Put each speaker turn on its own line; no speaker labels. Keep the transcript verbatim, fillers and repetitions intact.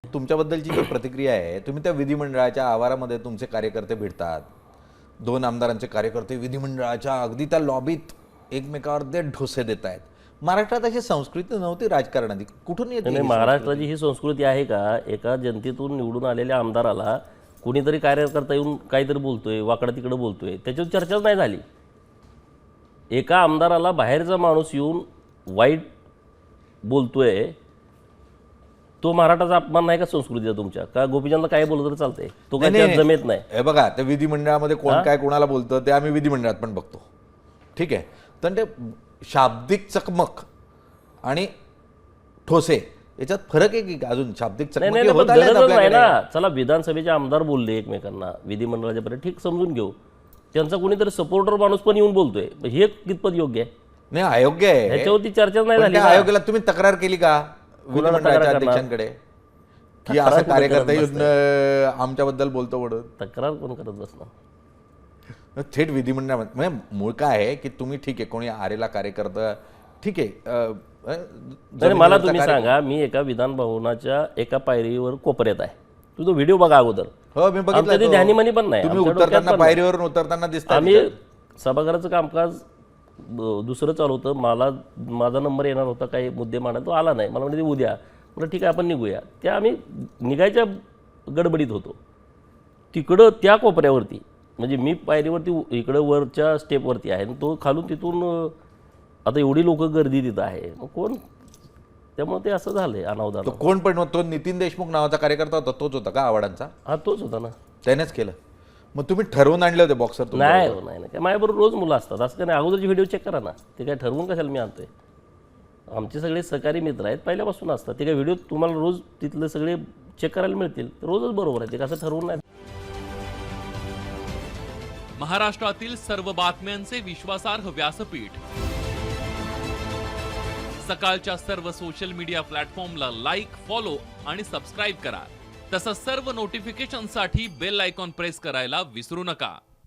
तुमच्याबद्दलची जी प्रतिक्रिया आहे, तुम्ही त्या विधिमंडळाच्या आवारामध्ये तुमचे कार्यकर्ते भेटतात, दोन आमदारांचे कार्यकर्ते विधिमंडळाच्या अगदी त्या लॉबीत एकमेकावर ते ढोसे देत आहेत. महाराष्ट्रात अशी संस्कृती नव्हती राजकारणाची, कुठून येते
नाही, महाराष्ट्राची ही संस्कृती आहे का? एका जनतेतून निवडून आलेल्या आमदाराला कुणीतरी कार्यकर्ता येऊन काहीतरी बोलतोय, वाकडं तिकडं बोलतोय, त्याच्यावर चर्चाच नाही झाली. एका आमदाराला बाहेरचा माणूस येऊन वाईट बोलतोय, तो मराठाचा अपमान नाही का संस्कृतीचा तुमच्या? का गोपीचंद काय बोलत तर चालतंय, तो काय त्यात जमेत नाही?
हे बघा, त्या विधिमंडळामध्ये कोण काय कोणाला बोलतं ते आम्ही विधिमंडळात पण बघतो, ठीक आहे. तर ते शाब्दिक चकमक आणि ठोसे याच्यात फरक आहे की अजून? शाब्दिक चकमक होत आल्या
नाही ना. चला, विधानसभेचे आमदार बोलले एकमेकांना, विधिमंडळाच्या पर्यंत ठीक समजून घेऊ. त्यांचा कोणीतरी सपोर्टर माणूस पण येऊन बोलतोय, हे कितपत योग्य आहे?
नाही, अयोग्य आहे.
ह्याच्यावरती चर्चा नाही झाली.
आयोगाला तुम्ही तक्रार केली का विधिमंडळाच्या अध्यक्षांकडे की असं कार्यकर्ता येऊन आमच्याबद्दल बोलतो म्हणून?
तक्रार कोण करत बसणार?
थेट विधिमंडळामध्ये म्हणजे मूळ काय आहे की तुम्ही ठीक आहे, कोणी आरेला कार्यकर्ता ठीक आहे.
मला तुम्ही सांगा, मी एका विधान भवनाच्या एका पायरीवर कोपऱ्यात आहे, तुझा व्हिडिओ बघा अगोदर.
हो, मी बघितलं.
ध्यानीमनी पण नाही,
तुम्ही उतरताना पायरीवरून उतरताना दिसता.
आम्ही सभागृहाचं कामकाज दुसरं चालू होतं, मला माझा नंबर येणार होता, काही मुद्दे मांडा, तो आला नाही. मला म्हणजे उद्या, म्हटलं ठीक आहे आपण निघूया. त्या आम्ही निघायच्या गडबडीत होतो. तिकडं त्या कोपऱ्यावरती म्हणजे मी पायरीवरती इकडं वरच्या स्टेपवरती आहे, तो खालून तिथून आता एवढी लोक गर्दी तिथं आहे, मग कोण? त्यामुळे ते असं झालंय अनावधान.
तो कोण पण? तो नितीन देशमुख नावाचा कार्यकर्ता होता, तोच होता का आव्हाडांचा?
हा, तोच होता ना.
त्यानेच केलं. मग तुम्ही ठरवून आणले होते बॉक्सर?
नाही हो, नाही नाही, माझ्याबरोबर रोज मुलं असतात, असं काय नाही. अगोदरची व्हिडिओ चेक करा ना, ते काय ठरवून कशाला मी आणतोय? आमचे सगळे सहकारी मित्र आहेत, पहिल्यापासून असतात. ते काय व्हिडिओ तुम्हाला रोज तिथले सगळे चेक करायला मिळतील, रोजच बरोबर आहे, ते कसं ठरवून नाही.
महाराष्ट्रातील सर्व बातम्यांचे विश्वासार्ह व्यासपीठ, सकाळच्या सर्व सोशल मीडिया प्लॅटफॉर्मला लाईक, फॉलो आणि सबस्क्राईब करा. तसंच सर्व नोटिफिकेशनसाठी बेल आयकॉन प्रेस करायला विसरू नका.